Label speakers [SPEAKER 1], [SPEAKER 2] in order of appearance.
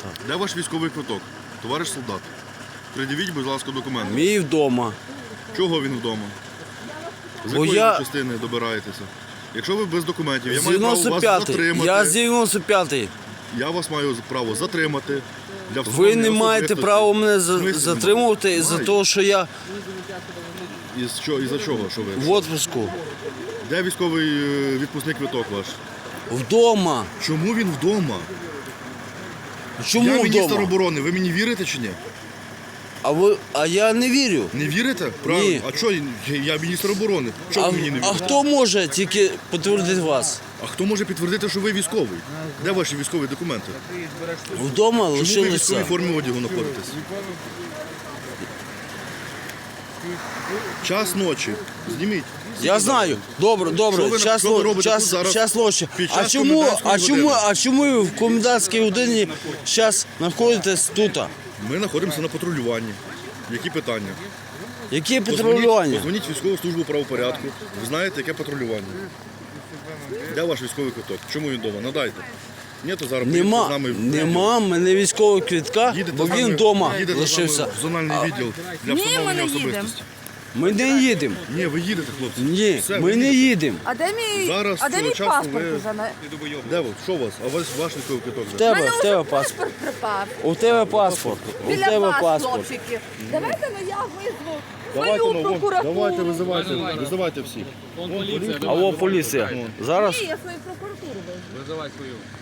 [SPEAKER 1] Де ваш військовий квиток? Товариш солдат. Пред'явіть, будь ласка, документи.
[SPEAKER 2] Мій вдома.
[SPEAKER 1] Чого він вдома? З
[SPEAKER 2] Бо
[SPEAKER 1] якої
[SPEAKER 2] я-
[SPEAKER 1] ви частини добираєтеся? Якщо ви без документів, я
[SPEAKER 2] З
[SPEAKER 1] маю право вас
[SPEAKER 2] 95-й.
[SPEAKER 1] затримати.
[SPEAKER 2] Я з 95-й.
[SPEAKER 1] Я вас маю право затримати. Для
[SPEAKER 2] Ви
[SPEAKER 1] встановлення
[SPEAKER 2] не маєте
[SPEAKER 1] особистості.
[SPEAKER 2] права мене
[SPEAKER 1] В смислі
[SPEAKER 2] затримувати
[SPEAKER 1] немає?
[SPEAKER 2] за
[SPEAKER 1] Маю.
[SPEAKER 2] те, що я
[SPEAKER 1] Із-за чого? Що ви?
[SPEAKER 2] в отпуску.
[SPEAKER 1] Де військовий відпускний квиток ваш?
[SPEAKER 2] Вдома.
[SPEAKER 1] Чому він вдома?
[SPEAKER 2] Чому
[SPEAKER 1] Я міністр
[SPEAKER 2] вдома?
[SPEAKER 1] оборони, ви мені вірите чи ні?
[SPEAKER 2] А я не вірю.
[SPEAKER 1] Не вірите? Правильно.
[SPEAKER 2] Ні.
[SPEAKER 1] А що, я міністр оборони? Чого ви мені не
[SPEAKER 2] А
[SPEAKER 1] вірите?
[SPEAKER 2] хто може тільки підтвердити вас?
[SPEAKER 1] А хто може підтвердити, що ви військовий? Де ваші військові документи?
[SPEAKER 2] Вдома
[SPEAKER 1] Чому ви в військовій
[SPEAKER 2] лишилися.
[SPEAKER 1] формі одягу знаходитесь? Час ночі. Зніміть.
[SPEAKER 2] Я знаю. Добре,
[SPEAKER 1] Що
[SPEAKER 2] добре.
[SPEAKER 1] ви-
[SPEAKER 2] Час
[SPEAKER 1] що ви робите тут зараз
[SPEAKER 2] час ночі.
[SPEAKER 1] під
[SPEAKER 2] А
[SPEAKER 1] час
[SPEAKER 2] чому,
[SPEAKER 1] комендантської години?
[SPEAKER 2] а чому ви в комендантській годині зараз знаходитесь тут?
[SPEAKER 1] Ми знаходимося на патрулюванні. Які питання?
[SPEAKER 2] Які патрулювання?
[SPEAKER 1] Позвоніть в військову службу правопорядку. Ви знаєте, яке патрулювання. Де ваш військовий квиток? Чому він вдома? Надайте. Ні, то зараз поїдете з
[SPEAKER 2] Нема,
[SPEAKER 1] нами
[SPEAKER 2] нема в мене військового квитка,
[SPEAKER 1] Їдете
[SPEAKER 2] бо
[SPEAKER 1] з нами-
[SPEAKER 2] він вдома
[SPEAKER 1] їдете з
[SPEAKER 2] лишився.
[SPEAKER 1] нами в зональний відділ для
[SPEAKER 3] Ні,
[SPEAKER 1] встановлення
[SPEAKER 3] ми не їдемо.
[SPEAKER 1] особистості.
[SPEAKER 2] Ми не їдемо.
[SPEAKER 1] Ні, ви їдете, хлопці.
[SPEAKER 2] Ні,
[SPEAKER 1] Все,
[SPEAKER 2] ми
[SPEAKER 1] ви
[SPEAKER 2] не
[SPEAKER 1] їдете.
[SPEAKER 2] їдемо.
[SPEAKER 3] А де мій,
[SPEAKER 1] Зараз
[SPEAKER 3] а де
[SPEAKER 1] цього
[SPEAKER 3] мій
[SPEAKER 1] часу
[SPEAKER 3] паспорт
[SPEAKER 1] ви-
[SPEAKER 3] уже?
[SPEAKER 1] Де ви? Що у вас? А ваш військовий квиток?
[SPEAKER 2] В
[SPEAKER 1] де?
[SPEAKER 3] У
[SPEAKER 2] тебе,
[SPEAKER 3] мене
[SPEAKER 2] в тебе
[SPEAKER 3] вже
[SPEAKER 2] паспорт.
[SPEAKER 3] паспорт припав.
[SPEAKER 2] У тебе паспорт. У
[SPEAKER 3] Біля
[SPEAKER 2] тебе
[SPEAKER 3] вас,
[SPEAKER 2] паспорт.
[SPEAKER 3] хлопчики. Давайте я визву
[SPEAKER 1] Давайте,
[SPEAKER 3] свою
[SPEAKER 1] ну,
[SPEAKER 3] прокуратуру.
[SPEAKER 1] давайте, визивайте всіх.
[SPEAKER 2] Алло, поліція. Зараз
[SPEAKER 3] Ні, я свою прокуратуру визву.
[SPEAKER 4] Визивай свою.